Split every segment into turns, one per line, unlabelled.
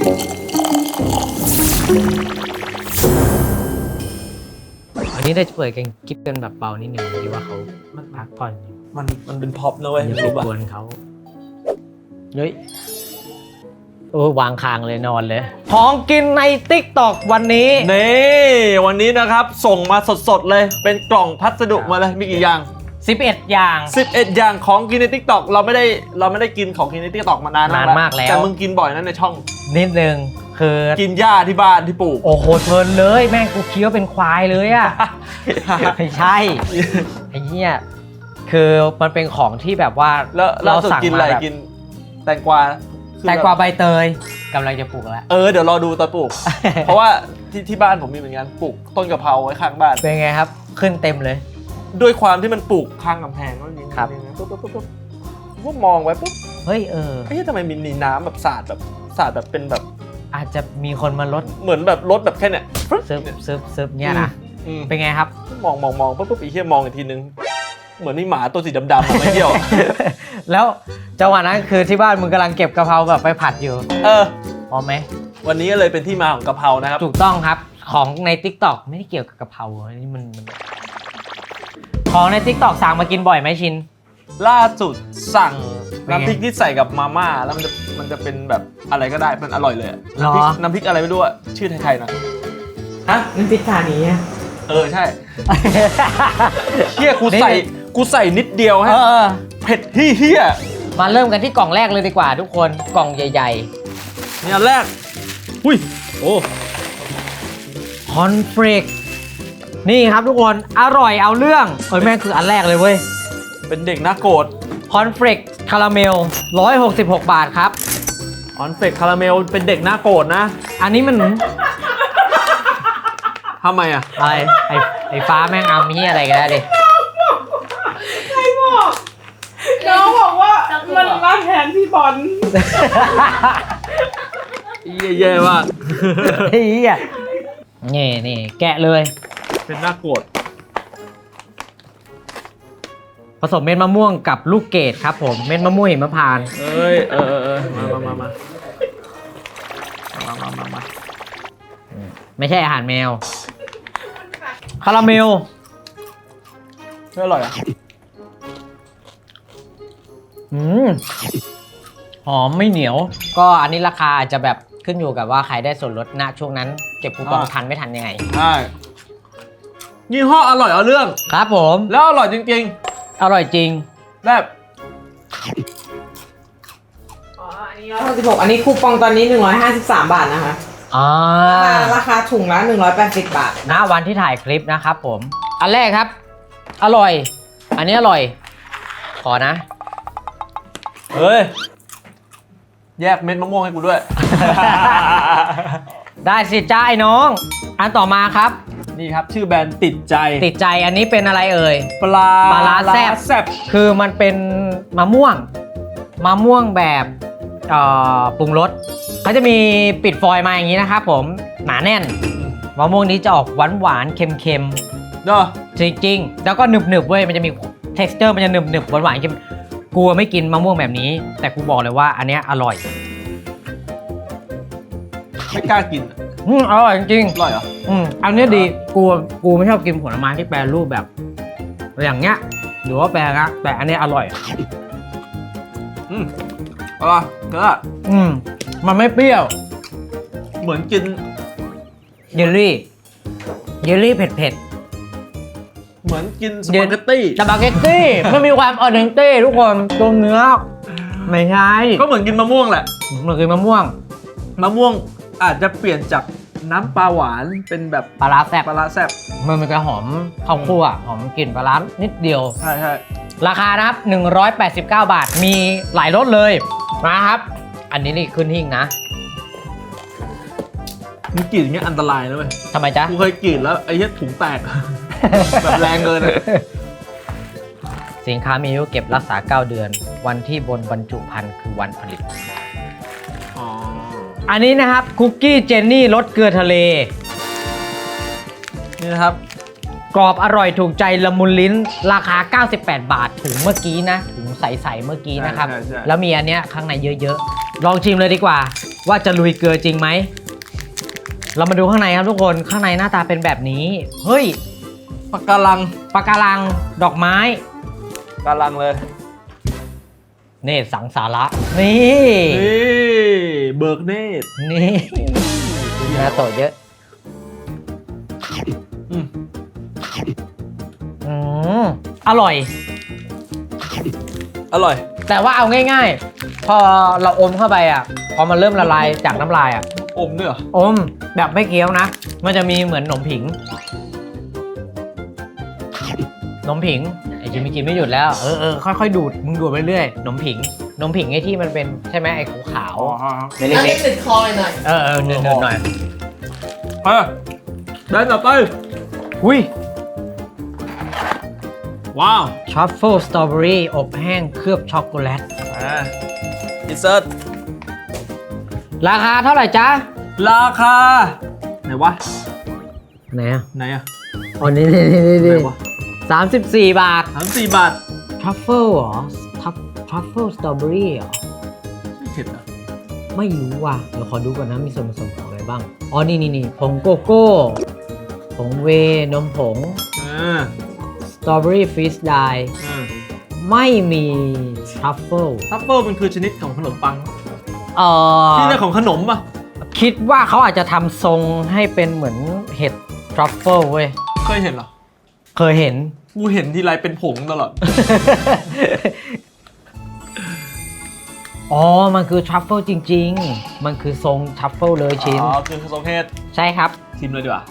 อันนี้ได้เปิดกันคลิปกันแบบเบานิดนึงดีว่าเขาพักผ่อนอยู่
มันเป็นพ็อปนะเว้ย
อย่าไปกวนเขาเฮ้ยวางคางเลยนอนเลยของกินใน TikTok วันนี้
นี่วันนี้นะครับส่งมาสดๆเลยเป็นกล่องพัสดุมาเลยมีกี่อย่าง
11 อย่าง
11 อย่างของกินใน TikTok เราไม่ได้กินของกินใน TikTok มานาน
มากแล้ว
แต่มึงกินบ่อยนะในช่อง
นิดนึงคือ
กินหญ้าที่บ้านที่ปลูก
โอ้โหเพลินเลยแม่งกูเคี้ยวเป็นควายเลยอ่ะ ไม่ใช่ไอ้เหี้ยคือมันเป็นของที่แบบว่า
แล้วเราสั่งกินอะไรกินแตงกวา
ใบเตยกำลังจะปลูกแล้ว
เดี๋ยวรอดูตอนปลูก เพราะว่าที่บ้านผมมีเหมือนกันปลูกต้นกะเพราไว้ข้างบ้าน
เป็นไงครับขึ้นเต็มเลย
ด้วยความที่มันปลูกข้างกำแพงก็อย่างนี้
ครับ
ปุ๊บมองไว้ปุ๊บ
เฮ้ย
ทำไมมีน้ำแบบสาดแบบเป็นแบบ
อาจจะมีคนมาลด
เหมือนแบบรถแบบแค่เนี้ย
ซึบเนี่ยนะเป็นไงครับ
มองปุ๊บอีกแค่มองอีกทีนึงเหมือนมีหมาตัวสีดำๆมาเที่ยว
แล้วจังหวะนั้นคือที่บ้านมึงกำลังเก็บกะเพราแบบไปผัดอยู่พอไหม
วันนี้เลยเป็นที่มาของกะเพรานะครับ
ถูกต้องครับของใน TikTok ไม่ได้เกี่ยวกับกะเพราอันนี้มันของใน TikTok สั่งมากินบ่อยไหมชิน
ล่าสุดสั่งน้ำพริกที่ใส่กับมาม่าแล้วมันจะเป็นแบบอะไรก็ได้มันอร่อยเลยน้ำพริกอะไรไม่รู้อะชื่อไทยๆนะ
ฮะน้ำพริกทานี้
ใช่เฮียกูใส่นิดเดียวฮะเผ็ดเฮีย
มาเริ่มกันที่กล่องแรกเลยดีกว่าทุกคนกล่องใหญ่ๆ
นี่อันแรกอุ้ย
คอนเฟลกนี่ครับทุกคนอร่อยเอาเรื่องแม่งคืออันแรกเลยเว้ย
เป็นเด็กน่าโกรธ
คอนเฟลกคาราเมล166 บาทครับ
คอนเฟลกคาราเมลเป็นเด็กน่าโกรธนะ
อันนี้มัน
ทำไมอะ
อะไรไอ้ฟ้าแม่งเอามีอะไรกันแล้วดิ
ใครบอกน้องบอกว่ามันมาแทนพี่บอล
แย่มาก
นี่แกะเลย
เป็นน่าโกรธ
ผสมเม็ดมะม่วงกับลูกเกดครับผมเม็ดมะม่วงหิมพานต์
มา
ไม่ใช่อาหารแมวคาราเมล
ไม่อร่อยอ่ะ
หอมไม่เหนียวก็อันนี้ราคาอาจจะแบบขึ้นอยู่กับว่าใครได้ส่วนลดณช่วงนั้นเก็บคูปองทันไม่ทันยังไง
ใช่ยี่ห้ออร่อยเอาเรื่อง
ครับผม
แล้วอร่อยจริง
ๆอร่อยจริง
แบบ
อันนี้166อันนี้คูปองตอนนี้153 บาทนะคะราคาถุงละ180 บาท
ณวันที่ถ่ายคลิปนะครับผมอันแรกครับอร่อยอันนี้อร่อยขอนะ
เฮ้ยแยกเม็ดมะม่วงให้กูด้วย
ได้สิจ้าไอ้น้องอันต่อมาครับ
นี่ครับชื่อแบรนด์ติดใจ
อันนี้เป็นอะไรเอ่ย
ปลา
แซ่บคือมันเป็นมะม่วงแบบปรุงรสเขาจะมีปิดฟอยล์มาอย่างนี้นะครับผมหนาแน่นมะม่วงนี้จะออกหวานเค็ม
เนาะ
จริงๆแล้วก็หนึบเว้ยมันจะมี texture มันจะหนึบหวานเค็มกูไม่กินมะม่วงแบบนี้แต่กูบอกเลยว่าอันนี้อร่อย
ไม่กล้ากิน
อร่อยจริง
อร่อยเหรอ
อันนี้ดีกูไม่ชอบกินผลไม้ที่แปรรูปแบบอย่างเงี้ยหรือว่าแปรนะแต่อันนี้อร่อย
อร่อยเนอะ
มันไม่เปรี้ยว
เหมือนกิน
เยลลี่เผ็ด
เหมือนกินสปาเกตตี้
ไม่มีความออเดนเต้ทุกคนตัวเนื้อไม่ใช่
ก็เหมือนกินมะม่วงแหละ
เหมือนกินมะม่วง
อาจจะเปลี่ยนจากน้ำปลาหวานเป็นแบบ
ปลาร้าแซ่บมันจะหอมข้าวคั่วหอมกลิ่นปลาร้านิดเดียว
ใช่
ราคานะครับ189 บาทมีหลายรสเลยนะครับอันนี้นี่ขึ้นหิ้งนะ
มึงกรีดอย่างเงี้ยอันตรายนะเว้ย
ทำไมจ๊ะ
กูเคยกรีดแล้วไอ้เหี้ยถุงแตกแบบแรงเกิน
สินค้ามีอายุเก็บรักษา9 เดือนวันที่บนบรรจุภัณฑ์คือวันผลิตอันนี้นะครับคุกกี้เจนนี่รสเกลือทะเล
นี่นะครับ
กรอบอร่อยถูกใจละมุนลิ้นราคา98 บาทถุงเมื่อกี้นะถุงใสๆเมื่อกี้นะครับแล้วมีอันเนี้ยข้างในเยอะๆลองชิมเลยดีกว่าว่าจะลุยเกลือจริงไหมเรามาดูข้างในครับทุกคนข้างในหน้าตาเป็นแบบนี้เฮ้ย
ปะการัง
ปะการังดอกไม้
การังเลย
นี่สังสาระนี่
นี่เบิกเนตร
นี่เนื้อโตเยอะ
อืม
อืมอร่อย
อร่อย
แต่ว่าเอาง่ายๆ พอเราอมเข้าไปอ่ะพอมันเริ่มละลายจากน้ำลายอ่ะ
อมด้วยเหรอ
อมแบบไม่เคี้ยวนะ มันจะมีเหมือนหนมผิงหนมผิงไอ้จิมมี่กินไม่หยุดแล้วค่อยๆดูดมึงดูดไปเรื่อยหนมผิงหนมผิงไอ้ที่มันเป็นใช่ไหมไอ้ขาวๆเล็
อัน
ก
นี้ติดคอหน่อย
ๆเนินๆหน่อย
เฮ้ยได้ต่อไป
อุ้ย
ว้าว
ทรัฟเฟิลสตรอเบอรี่อบแห้งเคลือบช็อกโกแลต
อินเสิร์ต
ราคาเท่าไหร่จ๊ะ
ราคาไหนวะ
ไหนอ่ะ
ไหนอะ
อ๋อนี่
ไหนวะ
34 บาท
34 บาท
ทรัฟเฟิลเหรอทรัฟเฟิลสตรอเบอรี่เหรอ
ไม่เผ็ดอ่ะ
ไม่รู้ว่ะ เดี๋ยวขอดูก่อนนะมีส่วนผสมของอะไรบ้าง อ๋อ นี่ผงโกโก้ ผงเวนมผง สตรอเบอรี่ฟรีสไดร์ไม่มีทรัฟเฟิล
ทัฟเฟิลมันคือชนิดของขนมปัง
เอ่อ
ที่เรียกของขนมป่ะ
คิดว่าเขาอาจจะทำทรงให้เป็นเหมือนเห็ดทรัฟเฟิลเว้ย
เคยเห็นเหรอ
เคยเห็น
กูเห็นทีไรเป็นผงตลอด
อ๋อ มันคือทรัฟเฟิลจริงๆ มันคือทรงทรัฟเฟิลเลยชิ้น
อ๋อ คือทรงเทศ
ใช่ครับ
ชิมเลยดีกว่า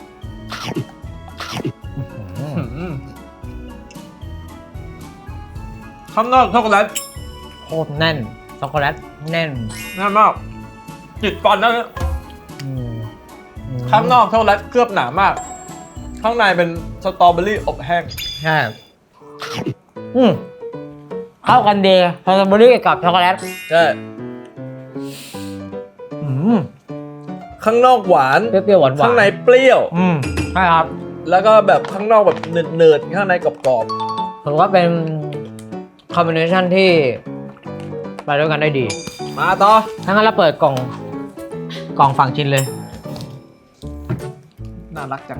ข้างนอกช็อกโกแลต
โคตรแน่น ช็อกโกแลตแน่น
แน่นมากจิตฟันนะเนี่ย
อืม
ข้างนอกช็อกโกแลตเคลือบหนามาก ข้างในเป็นสตรอเบอรี่อบแห้ง
ใช่เข้ากันดีสตรอเบอรี่กับช็อกโกแลต
ใช่
อืม
ข้างนอกหวาน
เปรี้ยวๆหวานๆ
ข้างในเปรี้ยว
ใช่ครับ
แล้วก็แบบข้างนอกแบบเนิร์ดๆข้างในกรอบ
ผมว่าเป็นคอมบิเนชันที่ไปด้วยกันได้ดี
ๆมาต่อ
ถ้างั้นเราเปิดกล่องฝั่งชิ้นเลย
น่ารักจัง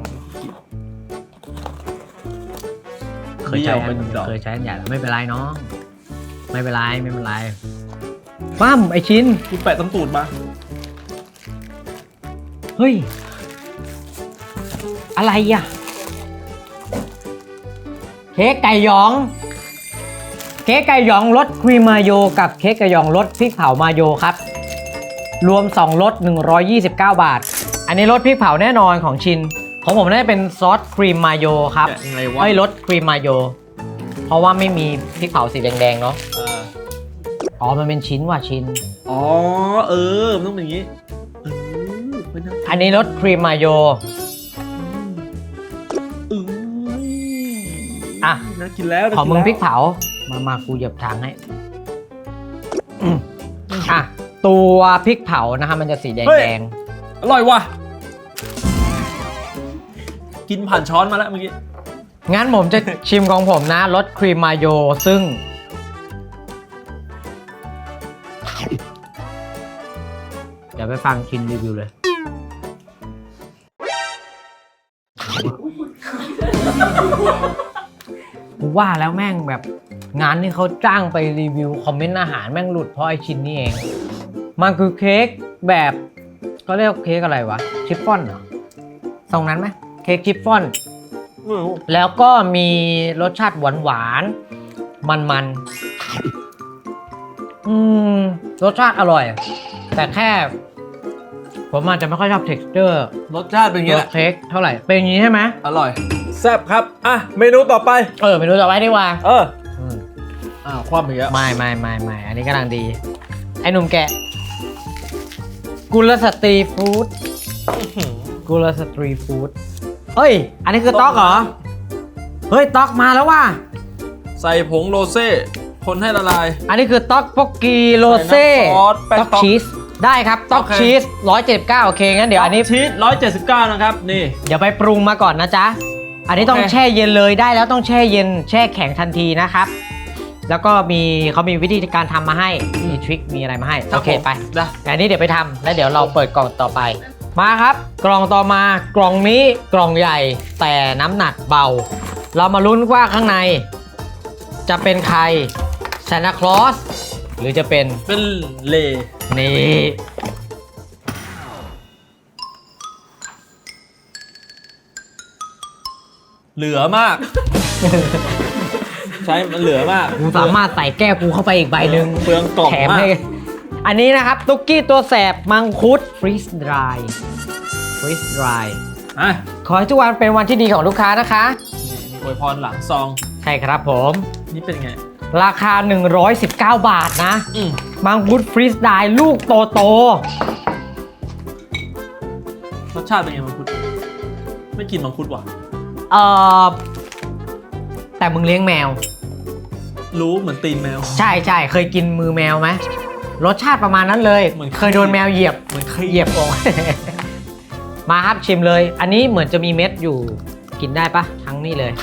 เคยใช้
เดี่ยวเป็นดอก
เคยใช้อันใหญ่แล้วไม่เป็นไรน้อง ไม่เป็นไรปั้มไอชิ้น
กูแปะตำตูดมา
เฮ้ย อะไรอ่ะ เค้กไก่หยอง เค้กไก่หยองรสครีมมาโยกับเค้กไก่หยองรสพริกเผามาโยครับ รวม2รส129 บาท อันนี้รสพริกเผาแน่นอนของชิน ของผมน่าจะเป็นซอสครีมมาโยครับ
แกะยังไงวะ
เอ้ยรสครีมมาโย เพราะว่าไม่มีพริกเผาสีแดงๆเนาะ อ๋อ มันเป็นชิ้นว่ะชิ้น
อ๋อ มันต้องเป็นอย่างนี้ไม่น่า
อันนี้รสครีมมาโย อ่ะ
น่ากินแล้ว
ขอมึงพริกเผา มากูเหยียบทางให้อ่ะ ตัวพริกเผานะคะมันจะสีแดง
อร่อยว่ะ กินผ่านช้อนมาแล้วเมื่อกี้
ๆ งั้นผมจะชิมของผมนะรสครีมมาโยซึ่ง เดี๋ยวไปฟังชินรีวิวเลย กูว่าแล้วแม่งแบบงานที่เขาจ้างไปรีวิวคอมเมนต์อาหารแม่งหลุดเพราะไอชิ้นนี้เอง มันคือเค้กแบบก็เรียกเค้กอะไรวะ ชิฟฟ่อนเหรอทรงนั้นไหมเค้กชิฟฟ่อน แล้วก็มีรสชาติหวานๆ มันๆ รสชาติอร่อย แต่แค่ ผมอาจจะไม่ค่อยชอบ texture
รสชาติเป็นอย่างนี้
ตัว
แหละ
เค้กเท่าไหร่ เป็นอย่างนี้ใช่ไหม
อร่อย แซ่บครับ อ่ะ เมนูต่อไป
เมนูต่อไปดีกว่า
ความอีกแล้ว
ไม่ อันนี้กำลังดี ไอ้หนุ่มแกะ กุลสตรีฟู้ดกุลสตรีฟู้ดเฮ้ย อันนี้คือต๊อกเหรอ เฮ้ย ต๊อกมาแล้วว่ะ
ใส่ผงโรเซ่ คนให้ละลาย
อันนี้คือต๊อกโปกกีโรเซ่
ใส่น้ำซอสแป้ง
ต๊อก
ต๊อก
ชีส ได้ครับ ต๊อก
โอเค
ชีส179โอเค งั้นเดี๋ยวอันนี้
ชีส179 นะครับ นี่
เดี๋ยวไปปรุงมาก่อนนะจ๊ะ อันนี้ต้อง
โอเค
แช่เย็นเลยได้แล้วต้องแช่เย็น แช่แข็งทันทีนะครับแล้วก็เขามีวิธีการทำมาให้มีทริคมีอะไรมาให้โอเคไป
นะ
แต่อันนี้เดี๋ยวไปทำแล้วเดี๋ยวเราเปิดกล่องต่อไปมาครับกล่องต่อมากล่องนี้กล่องใหญ่แต่น้ำหนักเบา เรามาลุ้นว่าข้างในจะเป็นใครซานตาคลอสหรือจะเป็น
เป็นเล
นี่
เหลือมาก ใช่มันเหลือมาก
กูสามารถใส่แก้วกูเข้าไปอีกใบหนึ่ง
เปลืองกล่อง
แถม
มา
ให้
ก
อันนี้นะครับตุ๊กกี้ตัวแสบมังคุดฟรีสดรายฟรีสดราย
อ่ะ
ขอให้ทุกวันเป็นวันที่ดีของลูกค้านะคะ
นี่มีอวยพรหลังซอง
ใช่ครับผม
นี่เป็นไง
ราคา 119 บาทนะ
อืม
มังคุดฟรีสไดล์ลูกโต
รสชาติเป็นไงมังคุดไม่กินมังคุดว่ะ
ๆแต่มึงเลี้ยงแมว
รู้เหมือนตีนแมว
ใช่ใช่เคยกินมือแมวไหมรสชาติประมาณนั้นเลย
เหมือน
เคยโดนแมวเหยียบ
เหมือนเคย
เหยียบอก มาครับชิมเลย อันนี้เหมือนจะมีเม็ดอยู่กินได้ปะทั้งนี้เลย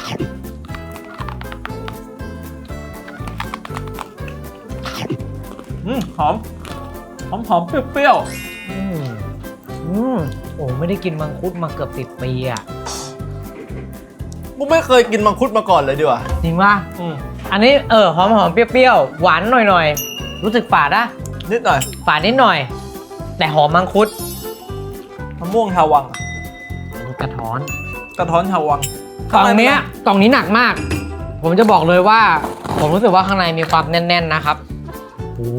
หอมเปรี้ยว
อืมโอ้ไม่ได้กินมังคุดมาเกือบ10 ปีอ่ะ
ๆกูไม่เคยกินมังคุดมาก่อนเลยดีกว่า
จริงป่ะอันนี้หอมเปรี้ยวๆหวานหน่อยรู้สึกฝาดอะ
นิดหน่อย
ฝาดนิดหน่อย แต่หอมมังคุด
มะม่วงชาววัง
กระท้อน
กระท้อนชาววัง
กล่องนี้หนักมาก ผมจะบอกเลยว่า ผมรู้สึกว่าข้างในมีความแน่นๆนะครับโอ้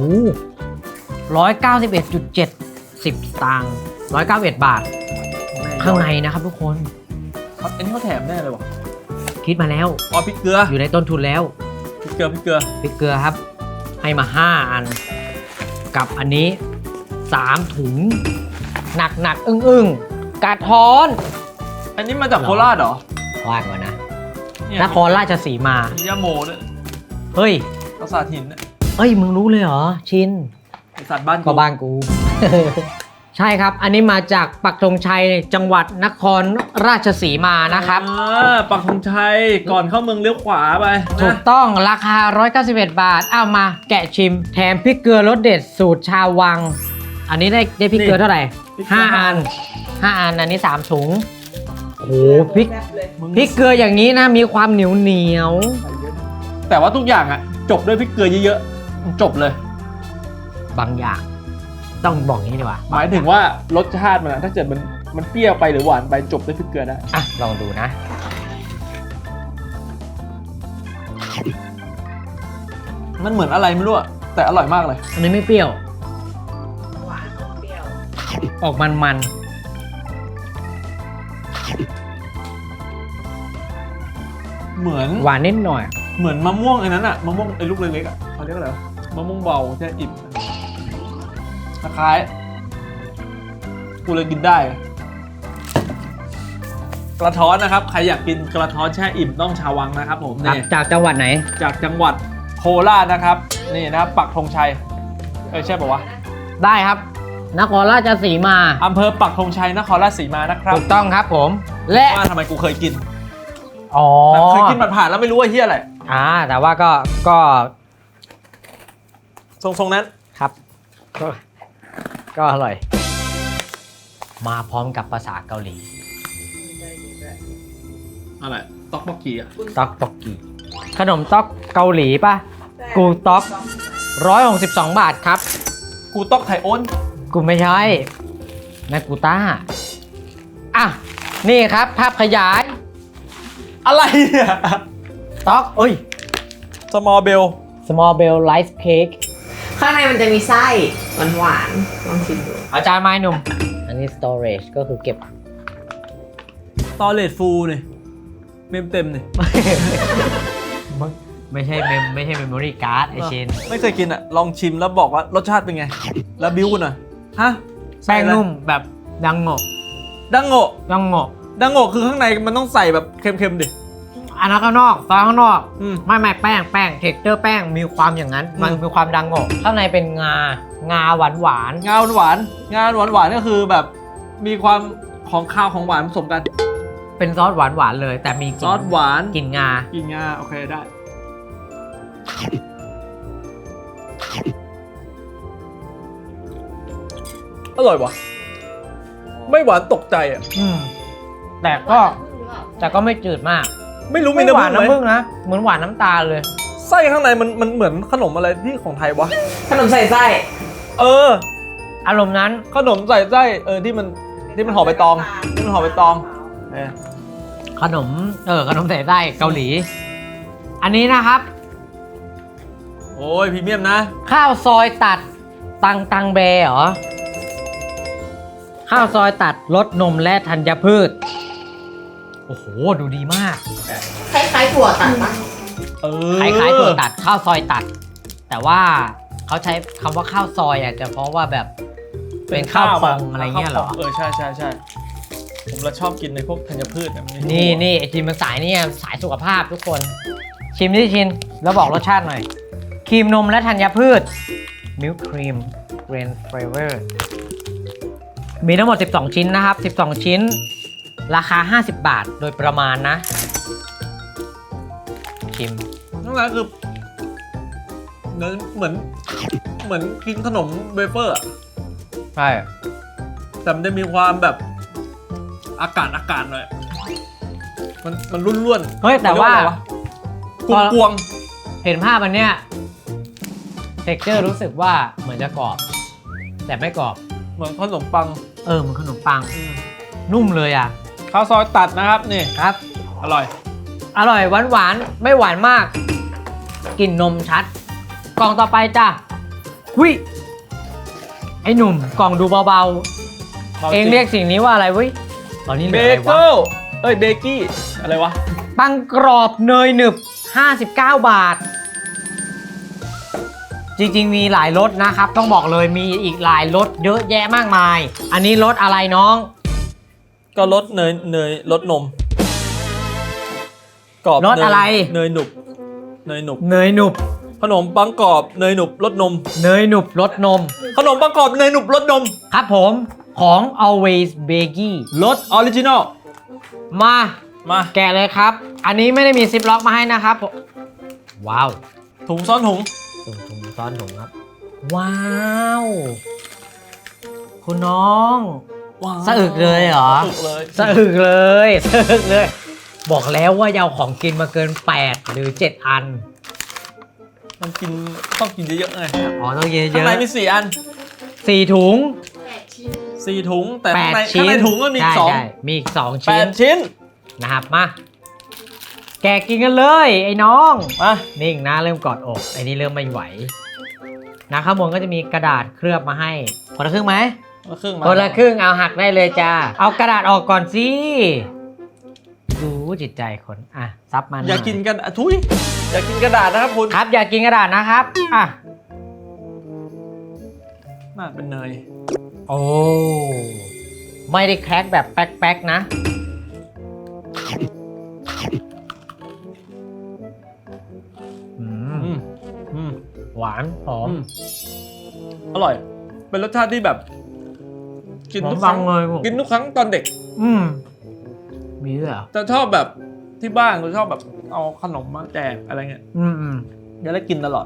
191.70 สตางค์191 บาท ข้างในนะครับทุกคน
อันนี้เขาแถมแน่เลยว่ะ
คิดมาแล้ว
อ๋อพริกเกลือ
อยู่ในต้นทุนแล้ว
พริกเกลือ
พริกเกลือครับ ให้มา 5 อัน กับอันนี้ 3 ถุง หนักอึ้งกระท้อน
อันนี้มาจากโคราชเหรอ
ว่าก่อนนะ
เนี่ย
นครราชสีมา
มียาโมด้วย
เฮ้ย
ปราสาทหินเนี่ย
มึงรู้เลยเหรอ ชิน
ปราสาทบ้าน
ก็บ้านกู ใช่ครับ อันนี้มาจากปักธงชัยจังหวัดนครราชสีมานะครับ
ปักธงชัยก่อนเข้าเมืองเลี้ยวขวาไป
ถูกต้องราคา 191 บาท เอามาแกะชิม แถมพริกเกลือรสเด็ดสูตรชาววัง อันนี้ได้พริกเกลือเท่าไหร่ 5 อัน 5 อัน อันนี้ 3 ถุง โอ้โหพริก
แซ่บเลย
พริกเกลืออย่างนี้นะ มีความเหนียว
แต่ว่าทุกอย่างอ่ะ จบด้วยพริกเกลือเยอะๆจบเลย
บางอย่าง ต้องบอกอย่างนี้ดีกว่า
หมายถึงว่ารสชาติมันอะถ้าเกิดมันเปรี้ยวไปหรือหวานไปจบด้วยพริกเกลือได้
อ่ะ ลองดูนะ
มันเหมือนอะไรไม่รู้อะแต่อร่อยมากเลย
อันนี้ไม่เปรี้ยว
หวานเปรี้ยว
ออกมัน
เหมือน
ๆ หวานนิดหน่อย
เหมือนมะม่วงไอ้นั้นอะมะม่วงไอ้ลูกเล็กๆอะเขาเรียกอะไรวะมะม่วงเบาแช่อิ่มคล้ายๆกูเลยกินได้อะกระท้อนนะครับใครอยากกินกระท้อนแช่อิ่มต้องชาววังนะครับผมนี่
จากจังหวัดไหน
จากจังหวัดโคราชนะครับนี่นะครับปักธงชัยใช่ป่าวะ
ได้ครับ นครราชสีมา
อำเภอปักธงชัยนครราชสีมานะครับ
ถูกต้องครับผม และ
ว่าทำไมกูเคยกิน
อ๋อ
แบบเคยกินผ่านๆแล้วไม่รู้ว่าเฮียอะไร
แต่ว่าก็
ทรงๆนั้น
ครับ ก็อร่อย มาพร้อมกับภาษาเกาหลี
อะไรต๊อกบกกีอะ
ต๊อกตอกกีขนมต๊อกเกาหลีป่ะ กูต๊อก162 บาทครับ
กูต๊อกไทโอน
กูไม่ใช่นะกูต้า อ่ะ นี่ครับ ภาพขยาย
อะไรเนี่ย
ต๊อกเอ้ย
สมอลเบล
small bell rice cake
ข้างในมันจะมีไส้หวานๆลองชิมดู
อาจารย์ไม้หนุ่ม อันนี้ storage ก็คือเก็บ
ตอเลตฟูนี่เมมเต็มนี่
ไม่ใช่ memory card ไอชิน
ไม่เคยกินอะลองชิมแล้วบอกว่ารสชาติเป็นไง แล้วบิ้วกันหน่อยฮะ
แป้งนุ่มแบบดังโงะ
ดังโงะ
ดังโงะ
ดังโงะคือข้างในมันต้องใส่แบบเค็มๆดิ
อันนั้นข้างนอกซอสข้างนอก
อืม
ไม่แป้งเท็กเจอร์แป้งมีความอย่างนั้น มัน
อืม
มีความดังโงะข้างในเป็นงาหวาน
งาหวานงาหวานก็คือแบบมีความของข้าวของหวานผสมกัน
ๆเป็นซอสหวานเลย แต่มีก
ซ
ลิ่
อสหวาน
กลิ่นงา
กินงาโอเคได้อร่อยว่ะไม่หวานตกใจอ่ะ
แต่ก็ไม่จืดมาก
ไม่รู้มี
ไม่หวาน
น้ำ
น้ำ
ผึ้
ผึ้
ง
ง
ไหม
นะเหมือนหวานน้ำตาลเลย
ไส้ข้างในมันเหมือนขนมอะไรที่ของไทยวะ
ขนมใส่ไส้
เออ
อารมณ์นั้น
ขนมใส่ไส้ที่มันห่อใบตองที่มันห่อใบตองเออ
ขนมใส่ไส้เกาหลี อันนี้นะครับ
โอ้ยพรีเมียมนะ
ข้าวซอยตัดตังแบเหรอ ข้าวซอยตัดรสนมและธัญพืช โอ้โห ดูดีมาก
คล้ายๆถั่วตัดปะ
เออ
คล้ายๆถั่วตัดข้าวซอยตัด แต่ว่าเขาใช้คำว่าข้าวซอยอาจจะเพราะว่าแบบเป็นข้าวพองอะไรเงี้ยเหรอ
ใช่ผมเราชอบกินในพวกธัญพืชนะมั
นี่ไอทีมมันสายนี่สายสุขภาพทุกคน ชิมดิชินแล้วบอกรสชาติหน่อย ครีมนมและธัญพืช Milk Cream Grain Flavor มีทั้งหมด 12 ชิ้นนะครับ 12 ชิ้น ราคา 50 บาทโดยประมาณนะ ชิม
นั่นแหละคือเหมือนกินขนมเวเฟอร์อะ
ใช่
แต่มันจะมีความแบบอากาศหน่อยมันร่วนๆ
เฮ้ยแต่ว่า
กวง
เห็นภาพอันเนี้ยเท็กเจอร์รู้สึกว่าเหมือนจะกรอบ แต่ไม่กรอบ
เหมือนขนมปัง
เหมือนขนมปัง นุ่มเลยอ่ะ
ข้าวซอยตัดนะครับนี่
ครับ
อร่อย
อร่อยหวานไม่หวานมากกลิ่นนมชัด กล่องต่อไปจ้ะหุยไอ้หนุ่มกล่องดูเบาๆ เองเรียกสิ่งนี้ว่าอะไรเว้ยตอนนี้เห
เบ
ลืออะไร
เกิ
วะ
ลเบกกี้อะไรวะ
ปังกรอบเนยหนึบ 59 บาท จริงๆมีหลายรสนะครับ ต้องบอกเลยมีอีกหลายรสเยอะแยะมากมาย อันนี้รสอะไรน้อง
ก็รสเนยรสนมกรอบ
รสอะไร
เนยหนุบ
เนยหนุบ
ขนมปังกรอบเนยหนุบรสนม
เนยหนุบรสนม
ขนมปังกรอบเนยหนุบรสนม
ครับผมของ Always Baggy
รสออริจินอล
มา
มา
แกะเลยครับ อันนี้ไม่ได้มีซิปล็อกมาให้นะครับ ว้าว
ถุงซ้อนถุง
ถุงซ้อนถุงครับ ว้าว คุณน้อง สะอึกเลยเหรอ
สะอึกเลย
สะอึกเลย บอกแล้วว่าอย่าเอาของกินมาเกิน 8 หรือ 7 อัน
มันต้องกินเยอะๆไง
อ๋อต้องเยอะๆ
ข้างในมี4 อัน
4 ถุง
4 ถุงแต่ข้างใน
8 ชิ้น
ถุงก็มีอีก
ใช่
2
ใช่มีอีก 2 ชิ้น
8 ชิ้น
นะครับมา แกะกินกันเลย ไอ้น้อง
มา
นิ่งนะเริ่มกอดอกไอ้นี่เริ่มไม่ไหวนะข้างบนก็จะมีกระดาษเคลือบมาให้คนละครึ่งไหม
ครึ่งมา
คนละครึ่งเอาหักได้เลยจ้าเอากระดาษออกก่อนสิดูจิตใจคนอ่ะซับมัน
อย่ากินกันทุยอย่ากินกระดาษนะครับคุณ
ครับอย่ากินกระดาษนะครับอ่ะ
น่าเป็นเนย
โอ้ไม่ได้แคร็กแบบแป๊กๆนะอืม
อืม
หวานหอม
อร่อย เป็นรสชาติที่แบบ กินทุกครั้ง
หอมฟังเลยผม
กินทุกครั้งตอนเด็ก
มีด้วยเหรอ
จะชอบแบบที่บ้านก็ชอบแบบเอาขนมมาแจกอะไรเงี้ย จะได้กินตลอด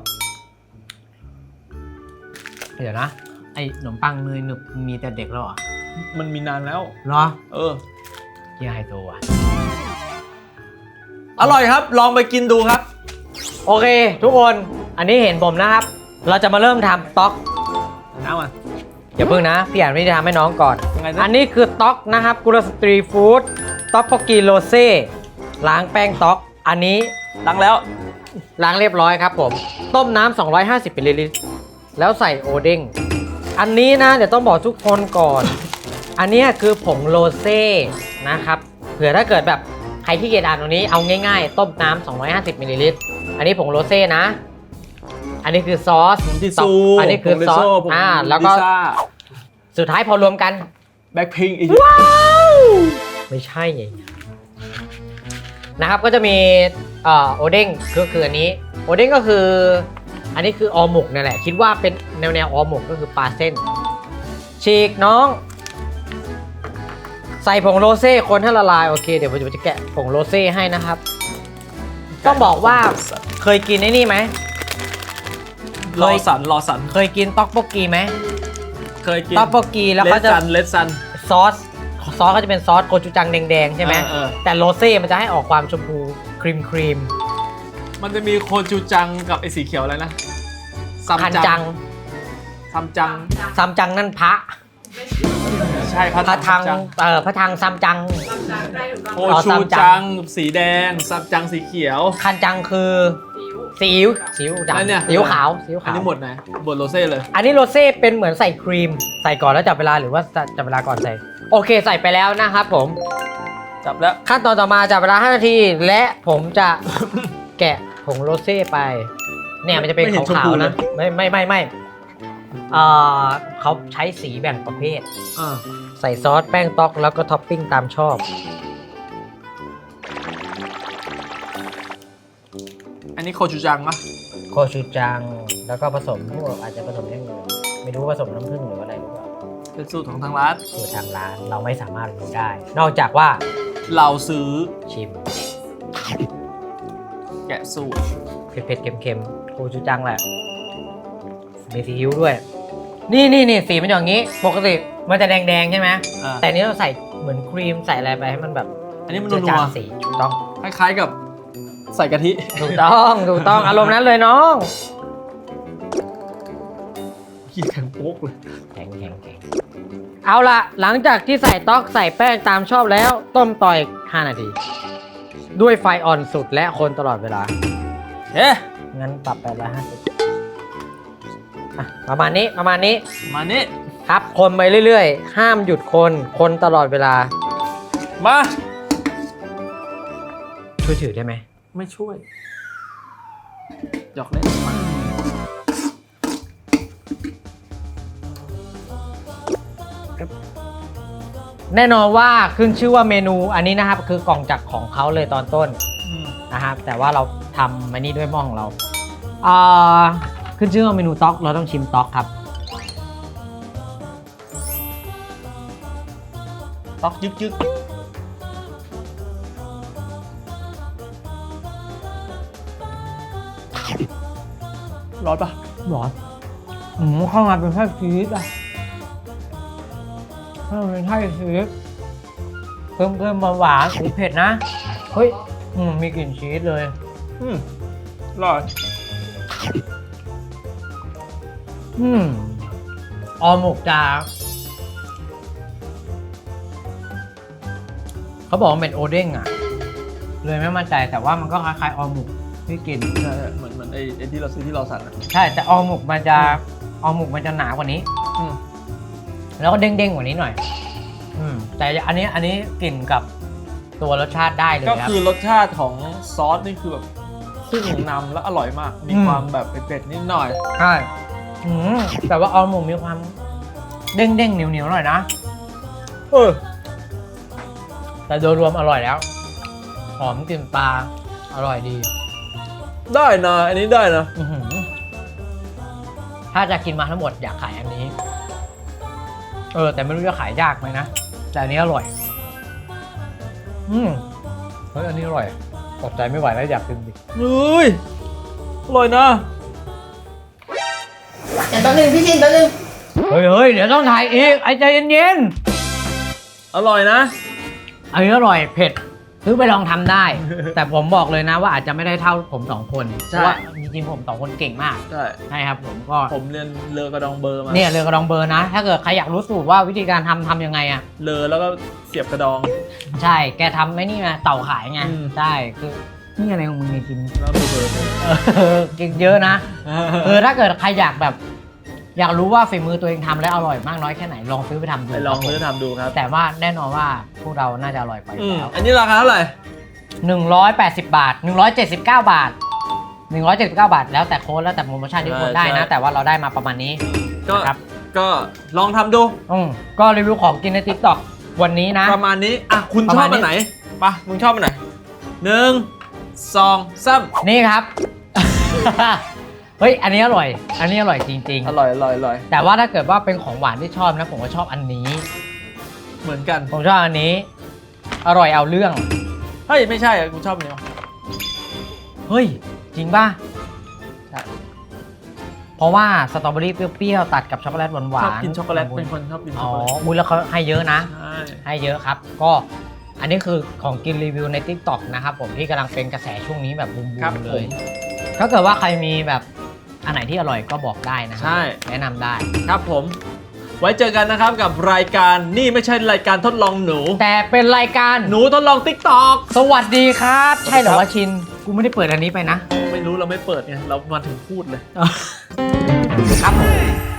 เดี๋ยวนะไอ้ขนมปังเนยหนึบมีแต่เด็กแล้วเหรอ
มันมีนานแล้ว
เหรอ
เออ
เยี่ยไฮโซอ่ะ
อร่อยครับ ลองไปกินดูครับ
โอเค ทุกคนอันนี้เห็นผมนะครับ เราจะมาเริ่มทำต๊อก
น้ำมัน
อย่าเพิ่งนะ พี่อ่านไม่ได้ทำให้น้องก่อน
ยังไงนะ
อันนี้คือต๊อกนะครับกุลสตรีฟู้ดต๊อกโปกีโรเซ่ล้างแป้งต๊อกอันนี้
ดังแล้ว
ล้างเรียบร้อยครับผม ต้มน้ำ250มิลลิลิตรแล้วใส่โอเด้งอันนี้นะเดี๋ยวต้องบอกทุกคนก่อน อันนี้คือผงโรเซ่นะครับเผื่อถ้าเกิดแบบใครที่เกียจอ่านตรงนี้เอาง่ายๆ ต้มน้ำ250มิลลิลิตรอันนี้ผงโรเซ่นะ อันนี้คือซอส
ผงทิซู
อันนี้คือซอส
ผง
แล้วก็
ลิซ่า
สุดท้ายพอรวมกัน
แบ็คพิงอีก
ว้าวไม่ใช่ไงนะครับก็จะมีโอเด้งก็คืออันนี้โอเด้งก็คืออันนี้คือออหมกนั่นแหละคิดว่าเป็นแนวออหมกก็คือปลาเส้นฉีกน้อง ใส่ผงโรเซ่คนให้ละลายโอเคเดี๋ยวผมจะแกะผงโรเซ่ให้นะครับต้องบอกว่าเคยกินไอ้นี่ไหม
รอสัน
เคยกินต๊อกโบกีไหม
เคยกิน
ต๊อกโบกีแล้วเขาจะ
เลดซัน
ซอสก็จะเป็นซอสโกจูจังแดงๆใช่ไหม
เออ
แต่โรเซ่มันจะให้ออกความชมพูครีม
มันจะมีโคจูจังกับไอ้สีเขียวอะไรนะซัม
คัน
จั
จั
ง
ง
ซัมจัง
ซัมจังนั่นพระ
ใช่พระ
พระทัง
จัง
พระทังซัมจัง
โคชูจังสีแดงซัมจังสีเขียว
คันจังคือซีอิ๊วดำ
แล้วเนี่ย
ซีอิ๊วขาวซีอิ๊ว
อัน
ขาว
นี้หมดไหนหมดโรเซ่เลย
อันนี้โรเซ่เป็นเหมือนใส่ครีมใส่ก่อนแล้วจับเวลาหรือว่าจับเวลาก่อนใส่โอเคใส่ไปแล้วนะครับผม
จับแล้ว
ขั้นตอนต่อมาจับเวลา5 นาที และผมจะ แกะผงโรเซ่ไปเนี่ยมันจะเป็น
ไม่เห็นชม
ขาว
พู
ๆ
เล
นะ
ย
ไม่เขาใช้สีแบ่งประเภท
อ่า
ใส่ซอสแป้งต๊อกแล้วก็ท็อปปิ้งตามชอบ
อันนี้โคชูจังปะ
โคชูจังแล้วก็ผสมพวกอาจจะผสมอย่างอื่นไม่รู้ผสมน้ำผึ้งหรืออะไรหรือเปล่า
เป็นสูตรของทางร้าน
คือทางร้านเราไม่สามารถรู้ได้ นอกจากว่า
เราซื้อ
ชิม
แกะสูตร
เผ็ดๆเค็มๆโคชูจังแหละมีซีอิ๊วด้วย นี่สีมันอย่างนี้ ปกติมันจะแดงๆใช่ไหม
อ่า
แต่อันนี้เราใส่เหมือนครีมใส่อะไรไปให้มันแบบ
อันนี้มัน
เจือ
นั
จาง
ว
สีถูกต้อง
ๆคล้ายๆกับใส่กะทิ
ถูกต้องอารมณ์นั้นเลยน้อง
ขี้แข็งโป๊กเลย
แข็งเอาละหลังจากที่ใส่ต๊อกใส่แป้งตามชอบแล้วต้มต่ออีก5 นาที ด้วยไฟอ่อนสุดและคนตลอดเวลา
เอ๊ะ
งั้นปรับไป150ประมาณนี้
มานี่
ครับคนไปเรื่อยๆ ห้ามหยุดคนตลอดเวลา
มา
ช่วยถือได้ไหม
ไม่ช่วยหยอกเล่นมา
แน่นอนว่าขึ้นชื่อว่าเมนูอันนี้นะครับคือกล่องจากของเขาเลยตอนต้น
อืม
นะครับแต่ว่าเราทำอันนี้ด้วยหม้อของเราขึ้นชื่อว่าเมนูต๊อกเราต้องชิมต๊อกครับ
ต๊อกยึกร้อนปะ
หรอเข้ามาเป็นไส้ชีสอ่ะเข้ามาเป็นไส้ชีสเพิ่มหวานหรือเผ็ดนะเฮ้ยมีกลิ่นชีสเลย
อร่อย
ออหมกจะเขาบอกว่าเป็นโอเด้งอ่ะเลยไม่มั่นใจแต่ว่ามันก็คล้ายๆออหมกที่กิน
ใช่เหมือนไอ้ที่เราซื้อที่เราสั่งอะ
ใช่แต่ออหมกมันจะหนากว่านี้
อืม
แล้วก็เด้งๆกว่านี้หน่อยแต่อันนี้กลิ่นกับตัวรสชาติได้เลย
ก็
ครับ
คือรสชาติของซอสนี่คือแบบขึ้นนำแล้วอร่อยมาก มีความแบบเผ็ดๆนิดหน่อย
ใช่แต่ว่าออหมกมีความเด้งๆเหนียวๆหน่อยนะ แต่โดยรวมอร่อยแล้วหอมกลิ่นปลาอร่อยดี
ได้นะ อันนี้ได้นะ
ถ้าจะกินมาทั้งหมดอยากขายอันนี้แต่ไม่รู้จะขายยากไหมนะแต่อันนี้อร่อยเฮ้ยอันนี้อร่อยอดใจไม่ไหวแล้วอยากกินดิ
เฮ้ย อร่อยนะ
อย่างตัวหนึ่งพี่ชินตัวหนึ่ง
เฮ้ยเดี๋ยวต้องถ่ายอีกไอ้ใจเย็น
อร่อยนะ
ๆอันนี้อร่อยเผ็ดซื้อไปลองทำได้ แต่ผมบอกเลยนะว่าอาจจะไม่ได้เท่าผม2 คนเพ
ใช่
ราะว่าจริงๆผม2 คนเก่งมาก
ใช่
ใช่ครับผมก็
ผมเรียนเลอกระดองเบอร์มา
เนี่ยเรือกระดองเบอร์นะ ถ้าเกิดใครอยากรู้สูตรว่าวิธีการทำยังไงอ่ะ
เลอแล้วก็เสียบกระดอง
ใช่แกทำไม่นี่ไงเต่าขายไง
อืม
ใช่คือนี่อะไรของมึงเนี่ยกิน
แล้วดูเบอร์
เก่งเยอะนะถ้าเกิดใครอยากรู้ว่าฝีมือตัวเองทำแล้วอร่อยมากน้อยแค่ไหนลองซื้อไปทำดู
ไปลองซื้อทำดูครับ
แต่ว่าแน่นอนว่าพวกเราน่าจะอร่อยกว่าอยู่แล้ว
อันนี้ราคาเท่าไหร่
180 บาท 179 บาท 179 บาท แล้วแต่โค้ดแล้วแต่โปรโมชั่นที่คนได้นะ แต่ว่าเราได้มาประมาณนี้
ก็
นะครับ
ก็ลองทำดู
ก็รีวิวของกินใน TikTok วันนี้นะ
ประมาณนี้ อ่ะ คุณ
ประ
ช
มา
อ
ณ
บ
นี้
อันไหนไปะมึงชอบอันไหน1 2 3
นี่ครับ เฮ้ย อันนี้อร่อย อันนี้อร่อยจริง
อร่อยอร่อยอร่อย
ๆ แต่ว่าถ้าเกิดว่าเป็นของหวานที่ชอบนะ ผมก็ชอบอันนี้
เหมือนกัน
ผมชอบอันนี้ อร่อยเอาเรื่อง
เฮ้ย ไม่ใช่อ่ะกูชอบอันนี้ว่ะ
เฮ้ย จริงป่ะ
ใช่
เพราะว่าสตรอเบอรี่เปรี้ยวๆตัดกับช็อกโกแลตหวานๆ
ชอบกินช็อกโกแลตเป็นคนชอบกินช็
อ๋
อก
อ
โกแลต
อุ้ยแล้วเขาให้เยอะนะ
ใช่
ให้เยอะครับ ก็อันนี้คือของกินรีวิวใน TikTok นะครับผมที่กำลังเป็นกระแสช่วงนี้แบบบูม
ครับ
ๆเล
ผ
ย
ม
ถ้าเกิดว่าใครมีแบบอันไหนที่อร่อยก็บอกได้นะครั
ใช่
แนะนำได้
ครับผม ไว้เจอกันนะครับกับรายการนี่ไม่ใช่รายการทดลองหนู
แต่เป็นรายการ
หนูทดลอง TikTok
สวัสดีครับ ใช่เหรอ
ครับ
ว่าชิน กูไม่ได้เปิดอันนี้ไปนะ
ไม่รู้เราไม่เปิดไงเรามาถึงพูดเลย
ครับผม